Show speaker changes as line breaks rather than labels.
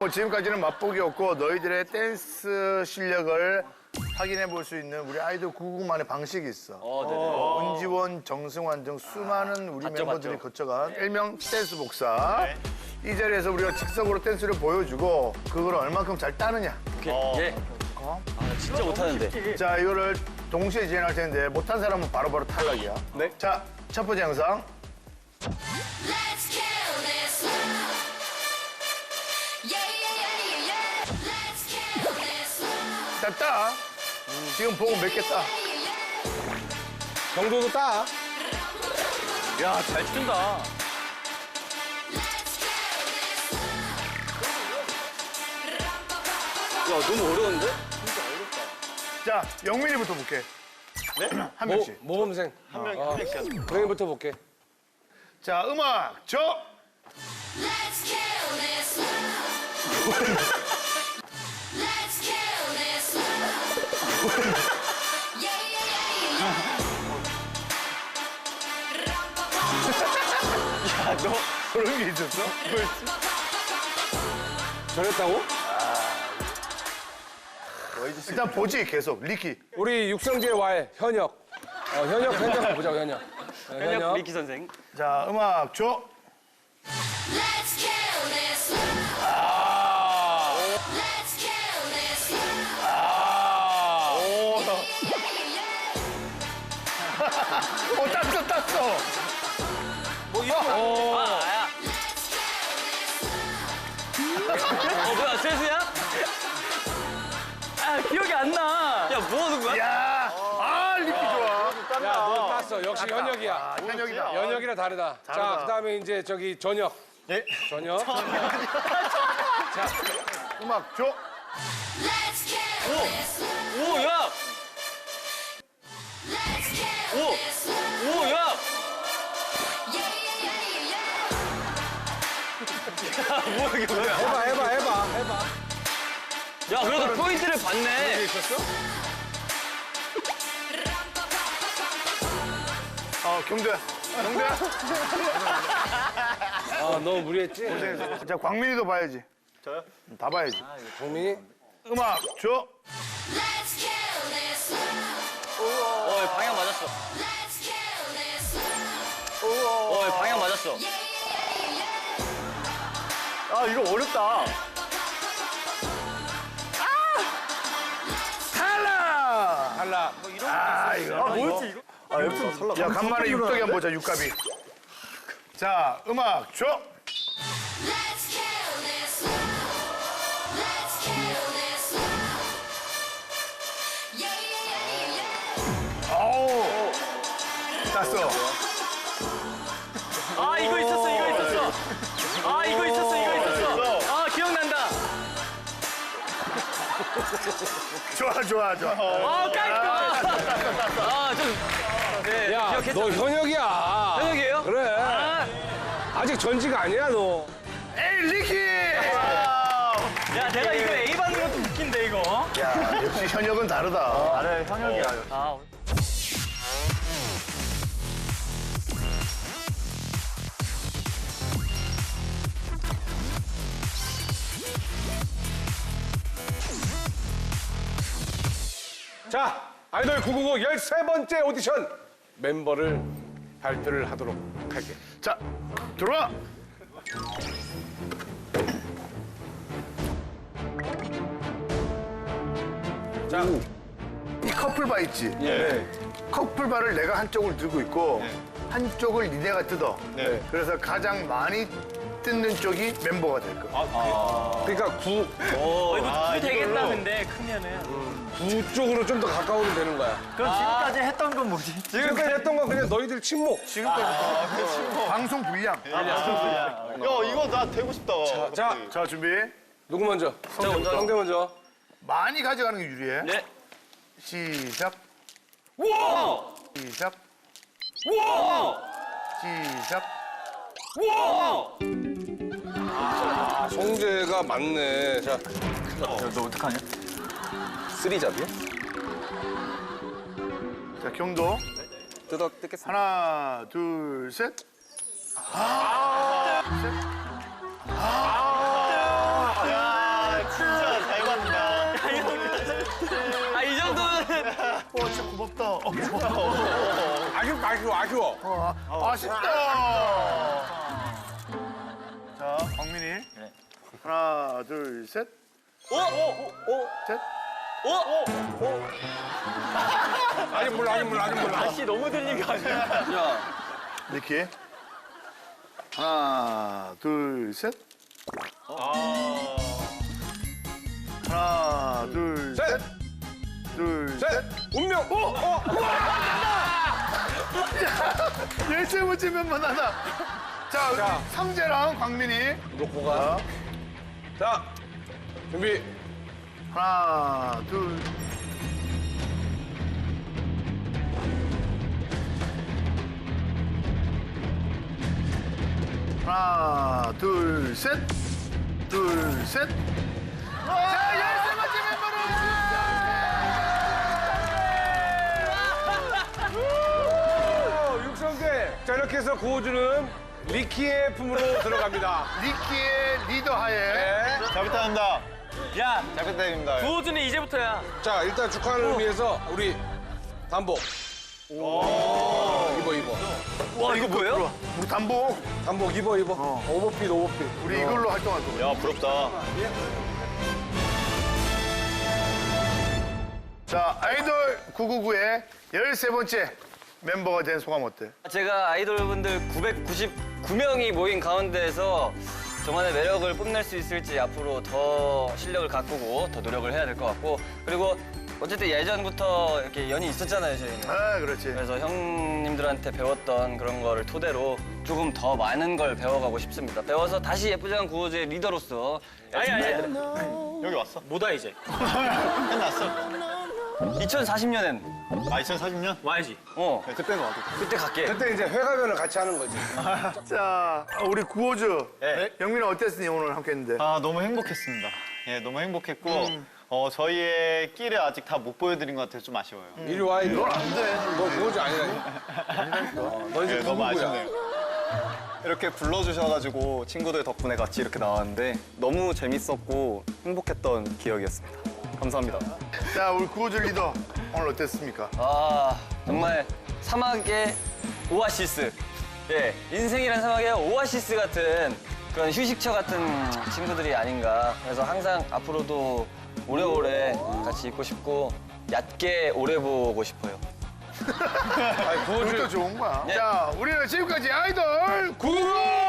뭐 지금까지는 맛보기였고 너희들의 댄스 실력을 확인해 볼 수 있는 우리 아이돌 999만의 방식이 있어. 은지원, 정승환 등 수많은 우리 멤버들이 거쳐간 일명 댄스 복사. 이 자리에서 우리가 즉석으로 댄스를 보여주고 그걸 얼만큼 잘 따느냐.
예. 진짜 못하는데.
자, 이거를 동시에 진행할 텐데 못한 사람은 바로바로 탈락이야.
네.
자, 첫 번째 영상.
Let's kill this love. Yeah, yeah, yeah, yeah, yeah. Let's kill this love.
자, 따. 지금 보고 몇 개 따.
Yeah, yeah.
정도도 따.
야, 잘 춘다.
Let's kill this love.
야, 너무 어려운데?
자, 영민이부터 볼게. 네? 한 명씩.
모범생. 한 명씩. 동현이부터 볼게.
자, 음악 줘.
Let's kill this love. Let's kill this love. Yeah, yeah, yeah, yeah.
그런 게 있었어?
저랬다고?
일단 보지, 계속. 리키.
우리 육성재 와의 현역. 현역 보자, 현역.
현역 미키 선생.
자, 음악 줘.
Let's kill this love. Let's kill this love.
오,
Yeah, yeah.
오, 땄어.
뭐 이거?
야. 뭐야, 세수야? 아, 기억이 안 나. 야, 뭐 하는 거야?
야, 리키 좋아.
야, 너 땄어. 역시 현역이야.
아, 현역이다.
현역이라 다르다. 자, 그다음에 이제 저기 전역.
예?
전역.
음악 줘.
Let's kill this love.
오, 야!
Let's kill
오!
this love.
오, 야!
Yeah, yeah, yeah, yeah.
뭐야, 이게 뭐야?
해봐.
야, 그래도 포인트를 받네.
있었어?
경도야.
너무 무리했지?
자, 광민이도 봐야지. 저요? 다 봐야지.
동민이?
음악 줘.
Let's kill this love.
방향 맞았어.
Let's kill this love.
방향 맞았어.
Yeah, yeah, yeah.
아, 이거 어렵다.
탈락. 아, 이거.
뭐였지, 이거? 아, 옆에서 살라.
야, 간만에 육덕이 한번 보자, 육갑이. 자, 음악 줘.
Let's kill this love. Let's kill this love. Yeah, yeah, yeah, yeah.
어우. 땄어.
아, 이거 있었어. 아, 이거 있었어. 아, 기억난다.
좋아.
아, 깔끔. 아, 좀. 네,
야,
기억했죠?
너 현역이야.
현역이에요?
그래. 아직 전지가 아니야, 너.
에이, 리키!
야, 내가 이거 A 받는 것도 웃긴데, 이거.
야, 역시 현역은 다르다.
나를 현역이야. 아.
자, 아이돌 999 13번째 오디션 멤버를 발표를 하도록 할게.
자, 들어와.
자,
이 커플바 있지?
예.
커플바를 내가 한쪽을 들고 있고 한쪽을 니네가 뜯어.
네.
그래서 가장 많이 뜯는 쪽이 멤버가 될 거야.
그러니까
이거 되겠다, 근데, 크면은.
9 쪽으로 좀 더 가까우면 되는 거야.
그럼 지금까지 했던 건 뭐지?
지금까지 했던 건 그냥 너희들 침묵.
방송 불량.
야, 이거 나 되고 싶다.
자,
자, 준비.
누구 먼저? 성대 먼저.
많이 가져가는 게 유리해.
네.
시작.
우와!
시작.
우와!
시작.
우와!
성재가 맞네. 자,
너 어떡하냐?
쓰리잡이요?
자, 경도.
뜯겠습니다.
하나, 둘, 셋.
야,
아쉬워.
아쉽다. 자, 광민이. 하나, 둘, 셋. 셋.
아직 몰라.
다시 너무 들린 거 아니야?
야,
니키. 하나, 둘, 셋. 하나, 둘,
셋.
셋. 둘, 셋.
셋. 운명.
열세 번째 멤버 하나. 자,
자.
상재랑 광민이.
놓고 가. 자, 준비.
하나, 둘. 하나, 둘, 셋. 둘, 셋. 자, 열세 번째
육성대. 자, 이렇게 해서 구호주는 리키의 품으로 들어갑니다.
니키의 리더하에.
네.
잘 부탁합니다.
야,
잘 부탁드립니다.
구호준이 이제부터야.
자, 일단 축하를 의미해서 우리 단복. 입어.
와, 이거 뭐예요?
우리 단복.
단복 입어. 오버핏.
우리 이걸로 활동할 거거든.
야, 부럽다.
자, 아이돌 999의 13번째 멤버가 된 소감 어때?
제가 아이돌분들 999명이 모인 가운데에서 저만의 매력을 뽐낼 수 있을지 앞으로 더 실력을 가꾸고 더 노력을 해야 될 것 같고, 그리고 어쨌든 예전부터 이렇게 연이 있었잖아요, 저희는.
아, 그렇지.
그래서 형님들한테 배웠던 그런 거를 토대로 조금 더 많은 걸 배워가고 싶습니다. 배워서 다시 예쁘장한 구호주의 리더로서. 아니.
여기 왔어?
뭐다 이제?
끝났어?
2040년엔
아, 2040년?
와야지.
그때는 와도.
그때 갈게.
그때 이제 회가면을 같이 하는 거지.
자, 우리 구호주.
네.
영민아 어땠니? 오늘 함께 했는데.
아, 너무 행복했습니다. 예, 너무 행복했고, 저희의 끼를 아직 다 못 보여드린 것 같아서 좀 아쉬워요.
이리 와, 이리 와.
안 돼.
너 구호주 아니라니. 너 이제
예, 너무
누구야?
아쉽네요. 이렇게 불러주셔가지고 친구들 덕분에 같이 이렇게 나왔는데 너무 재밌었고 행복했던 기억이었습니다. 감사합니다.
자, 우리 구호주 리더. 오늘 어땠습니까?
아, 정말 사막의 오아시스. 예, 인생이란 사막의 오아시스 같은 그런 휴식처 같은 친구들이 아닌가. 그래서 항상 앞으로도 오래오래 같이 있고 싶고 얕게 오래 보고 싶어요.
아니,
그것도
구호주.
좋은 거야.
예.
자, 우리는 지금까지 아이돌 999!